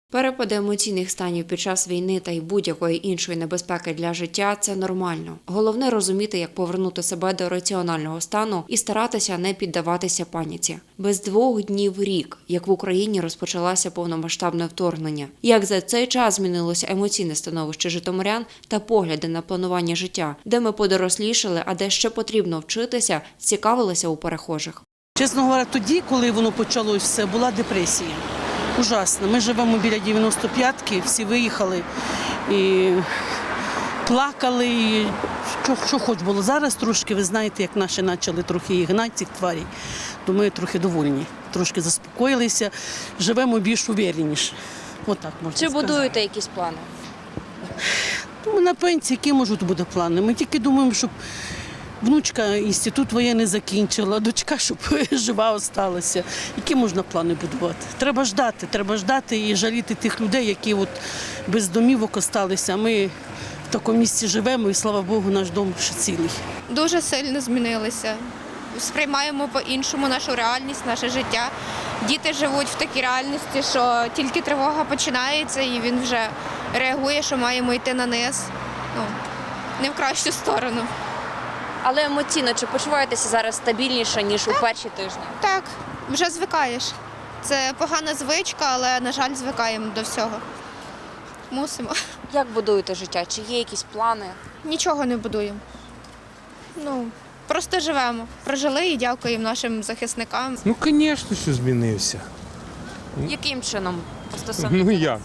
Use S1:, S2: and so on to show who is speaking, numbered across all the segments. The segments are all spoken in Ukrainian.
S1: Перепади емоційних станів під час війни та й будь-якої іншої небезпеки для життя – це нормально. Головне – розуміти, як повернути себе до раціонального стану і старатися не піддаватися паніці. Без 2 днів рік, як в Україні розпочалося повномасштабне вторгнення. Як за цей час змінилося емоційне становище житомирян та погляди на планування життя, де ми подорослішали, а де ще потрібно вчитися, цікавилися у перехожих.
S2: Чесно говоря, тоді, коли воно почалось все, була депресія. Ужасно. Ми живемо біля 95-ки, всі виїхали і плакали, і що хоч було. Зараз трошки, ви знаєте, як наші почали трохи і гнати цих тварей, то ми трохи довольні, трошки заспокоїлися, живемо більш увереніше. Отак можна
S1: Чи
S2: сказати.
S1: будуєте якісь плани?
S2: Ми на пенсії, які можуть бути плани? Ми тільки думаємо, щоб внучка інститут воєнний закінчила, дочка, щоб жива залишилася. Які можна плани будувати? Треба ждати і жаліти тих людей, які от без домівок залишилися. Ми в такому місці живемо і, слава Богу, наш дом ще цілий.
S3: Дуже сильно змінилися. Сприймаємо по-іншому нашу реальність, наше життя. Діти живуть в такій реальності, що тільки тривога починається і він вже реагує, що маємо йти на низ. Не в кращу сторону.
S1: Але емоційно, чи почуваєтеся зараз стабільніше, ніж у перші тижні?
S3: Так, вже звикаєш. Це погана звичка, але, на жаль, звикаємо до всього. Мусимо.
S1: Як будуєте життя? Чи є якісь плани?
S3: Нічого не будуємо. Просто живемо. Прожили і дякуємо нашим захисникам.
S4: Ну, звісно, що змінився.
S1: Яким чином стосовно?
S4: Ну як?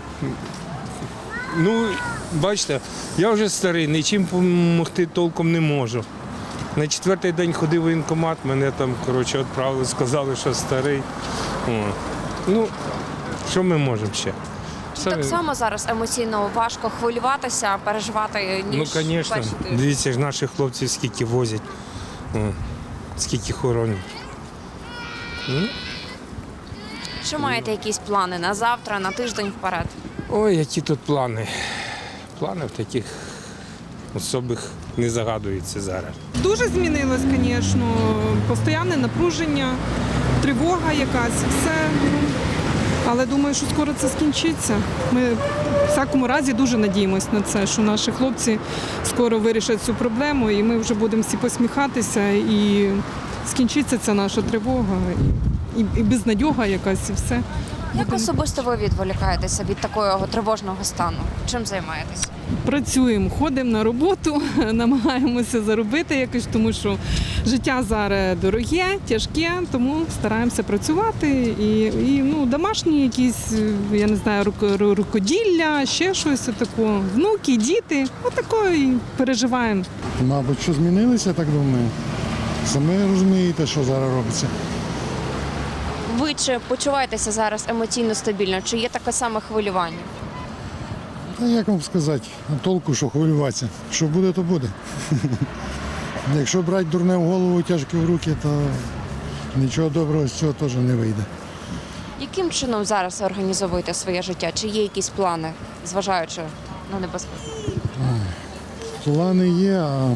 S4: Ну, бачите, я вже старий, нічим допомогти толком не можу. На 4-й день ходив в воєнкомат, мене там, відправили, сказали, що старий. О. Ну, що ми можемо ще?
S1: Так само зараз емоційно важко хвилюватися, переживати, ніж
S4: Ну,
S1: в
S4: звісно.
S1: перші тижні.
S4: Дивіться ж, наших хлопців скільки возять, скільки хоронять. Ну,
S1: Чи маєте якісь плани на завтра, на тиждень вперед?
S4: ой, які тут плани. Планів таких особих не загадується зараз.
S5: Дуже змінилось, звісно, постійне напруження, тривога якась, все. Але думаю, що скоро це скінчиться. Ми в всякому разі дуже надіємося на це, що наші хлопці скоро вирішать цю проблему і ми вже будемо всі посміхатися і скінчиться ця наша тривога і безнадьога якась і все.
S1: Як особисто ви відволікаєтеся від такого тривожного стану? Чим займаєтесь?
S5: Працюємо, ходимо на роботу, намагаємося заробити якось, тому що життя зараз дороге, тяжке, тому стараємося працювати. І домашні якісь, я не знаю, рукоділля, ще щось такого. Внуки, діти, отако і переживаємо.
S6: Мабуть, що змінилися, так думаю. Самі розумієте, що зараз робиться.
S1: Ви чи почуваєтеся зараз емоційно стабільно? Чи є таке саме хвилювання?
S6: Та як вам сказати, толку, що хвилюватися. Що буде, то буде. Якщо брати дурне в голову, тяжке в руки, то нічого доброго з цього теж не вийде.
S1: Яким чином зараз організовуєте своє життя? Чи є якісь плани, зважаючи на небезпеку?
S6: Плани є, а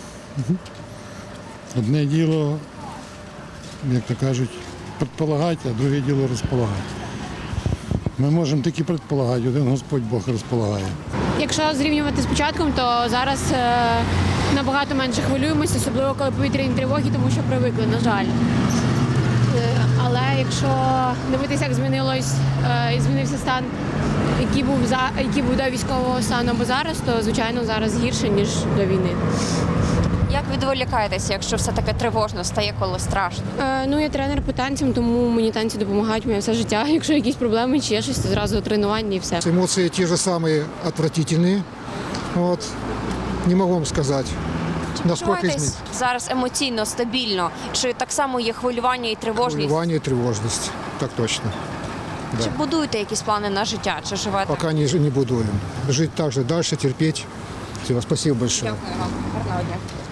S6: одне діло, як то кажуть, предполагати, а друге діло розполагати. Ми можемо тільки предполагати, один Господь Бог розполагає.
S7: Якщо зрівнювати з початком, то зараз набагато менше хвилюємося, особливо коли повітряні тривоги, тому що привикли, на жаль. Але якщо дивитися, як змінився стан, який був до військового стану або зараз, то, звичайно, зараз гірше, ніж до війни.
S1: Як відволікаєтеся, якщо все таке тривожно стає, коли страшно?
S7: Я тренер по танцям, тому мені танці допомагають моє все життя. Якщо якісь проблеми чи є щось, то зразу тренування і все.
S8: Эмоции те же самые отвратительные. Не могу вам сказать, насколько
S1: Почуваєтесь
S8: изменилось.
S1: зараз емоційно, стабільно? Чи так само є хвилювання і тривожність?
S8: Хвилювание и тревожность, так точно. Да.
S1: Чи будуєте якісь плани на життя, чи живете?
S8: Пока не будуем. Жить так же дальше, терпеть. Все, спасибо большое.
S1: Дякую вам. Гарного дня.